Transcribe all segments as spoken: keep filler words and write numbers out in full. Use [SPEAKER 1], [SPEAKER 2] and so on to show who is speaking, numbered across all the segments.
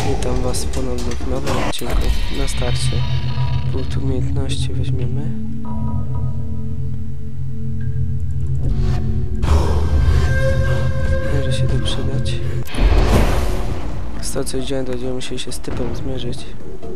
[SPEAKER 1] Witam was ponownie w nowym odcinku. Na starcie punkt umiejętności weźmiemy. Może się to przydać. Z tego co widziałem, to będziemy musieli się z typem zmierzyć.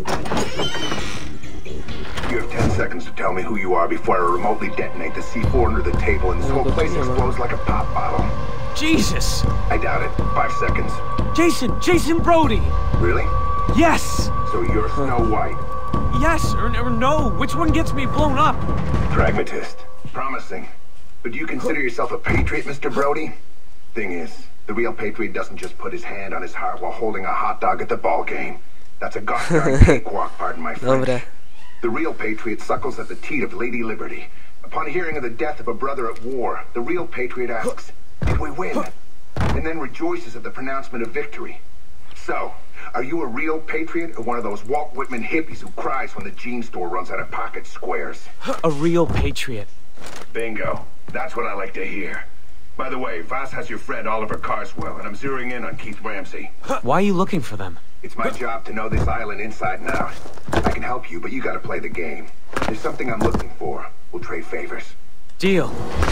[SPEAKER 2] You have ten seconds to tell me who you are before I remotely detonate the C four under the table and this whole place explodes like a pop bottle.
[SPEAKER 3] Jesus!
[SPEAKER 2] I doubt it. Five seconds.
[SPEAKER 3] Jason! Jason Brody!
[SPEAKER 2] Really?
[SPEAKER 3] Yes!
[SPEAKER 2] So you're Snow White.
[SPEAKER 3] Yes or, or no? Which one gets me blown up?
[SPEAKER 2] Pragmatist. Promising. But do you consider yourself a patriot, Mister Brody? Thing is, the real patriot doesn't just put his hand on his heart while holding a hot dog at the ball game. That's a gosh darn cakewalk, pardon my French.
[SPEAKER 1] Dobre.
[SPEAKER 2] The real patriot suckles at the teat of Lady Liberty. Upon hearing of the death of a brother at war, the real patriot asks, did we win? And then rejoices at the pronouncement of victory. So, are you a real patriot or one of those Walt Whitman hippies who cries when the jean store runs out of pocket squares?
[SPEAKER 3] A real patriot.
[SPEAKER 2] Bingo. That's what I like to hear. By the way, Voss has your friend Oliver Carswell, and I'm zeroing in on Keith Ramsey.
[SPEAKER 3] Why are you looking for them?
[SPEAKER 2] It's my job to know this island inside and out. I can help you, but you gotta play the game. There's something I'm looking for. We'll trade favors.
[SPEAKER 3] Deal.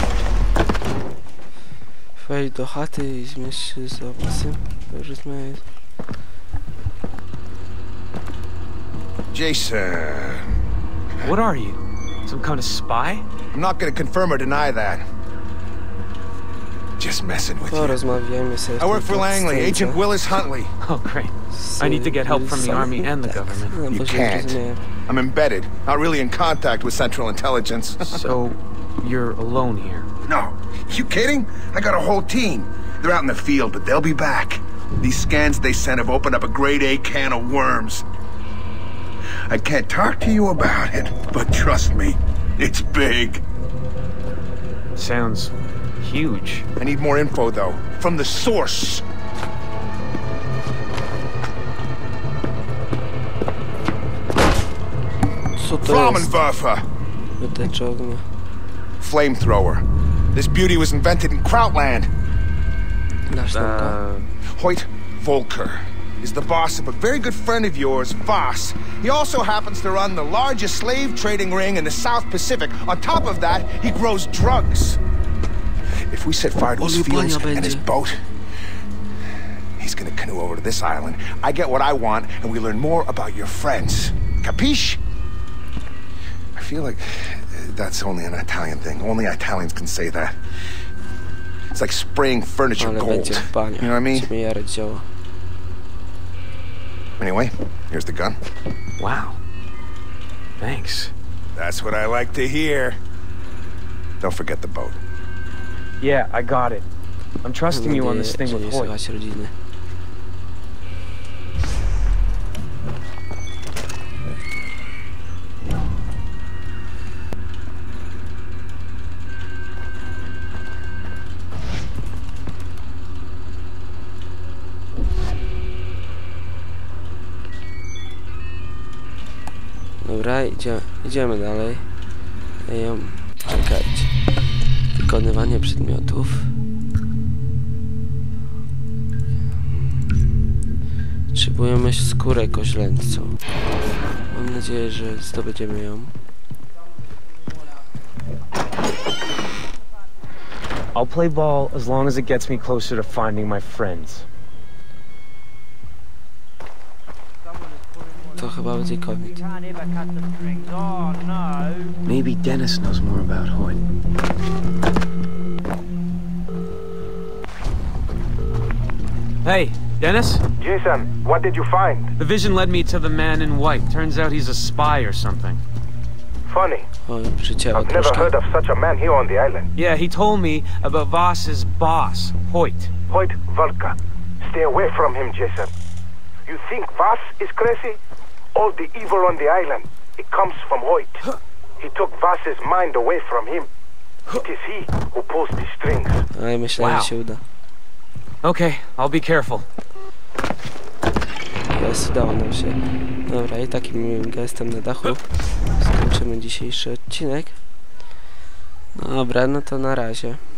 [SPEAKER 1] Wejdź do chaty i zmierz się z obcym. Porozmawiać.
[SPEAKER 4] Jason.
[SPEAKER 3] What are you? Some kind of spy?
[SPEAKER 4] I'm not gonna confirm or deny that. Just messing with you.
[SPEAKER 1] Porozmawiajmy sobie.
[SPEAKER 4] I work for Langley, Agent Willis Huntley.
[SPEAKER 3] Oh, great. I need to get help from the army and the government.
[SPEAKER 4] You can't. I'm embedded, not really in contact with Central Intelligence.
[SPEAKER 3] So, you're alone here?
[SPEAKER 4] No. You kidding? I got a whole team. They're out in the field, but they'll be back. These scans they sent have opened up a grade A can of worms. I can't talk to you about it, but trust me, it's big.
[SPEAKER 3] Sounds huge.
[SPEAKER 4] I need more info, though, from the source.
[SPEAKER 1] Co to jest?
[SPEAKER 4] Flammenwerfer.
[SPEAKER 1] Wytecz ognia.
[SPEAKER 4] Flamethrower. This beauty was invented in Krautland.
[SPEAKER 1] Dasz nam go.
[SPEAKER 3] Uh,
[SPEAKER 4] Hoyt Volker is the boss of a very good friend of yours, Voss. He also happens to run the largest slave trading ring in the South Pacific. On top of that, he grows drugs. If we set fire to his fields and his boat, he's gonna canoe over to this island. I get what I want, and we learn more about your friends. Capiche? I feel like that's only an Italian thing. Only Italians can say that. It's like spraying furniture
[SPEAKER 1] Ale
[SPEAKER 4] gold.
[SPEAKER 1] będzie w banie.
[SPEAKER 4] You know what I mean?
[SPEAKER 1] Będziemy jarać dzieło.
[SPEAKER 4] Anyway, here's the gun.
[SPEAKER 3] wow. Thanks.
[SPEAKER 4] That's what I like to hear. Don't forget the boat.
[SPEAKER 3] Yeah, I got it. I'm trusting you on this thing with Hoyt.
[SPEAKER 1] Słychać rodziny. Dobra, idzie, idziemy dalej. Ej, czekajcie. Wykonywanie przedmiotów. Potrzebujemy skórę koźlęcą. Mam nadzieję, że zdobędziemy ją.
[SPEAKER 3] I'll play ball as long as it gets me closer to finding my friends.
[SPEAKER 1] To chyba będzie koniec.
[SPEAKER 3] Maybe Dennis knows more about Hoyt. Hey, Dennis?
[SPEAKER 5] Jason, what did you find?
[SPEAKER 3] The vision led me to the man in white. Turns out he's a spy or something.
[SPEAKER 5] Funny.
[SPEAKER 1] Oj, przycięło
[SPEAKER 5] I've never
[SPEAKER 1] troszkę.
[SPEAKER 5] heard of such a man here on the island.
[SPEAKER 3] Yeah, he told me about Voss's boss, Hoyt.
[SPEAKER 5] Hoyt Volker. Stay away from him, Jason. You think Voss is crazy? All the evil on the island, it comes from Hoyt. He took Voss's mind away from him. It is he who pulls the strings.
[SPEAKER 1] Ale myślałem,
[SPEAKER 3] Wow.
[SPEAKER 1] że się uda.
[SPEAKER 3] Okay, I'll be careful.
[SPEAKER 1] Jest, udało nam się. Dobra, i takim miłym gestem na dachu skończymy dzisiejszy odcinek. Dobra, no to na razie.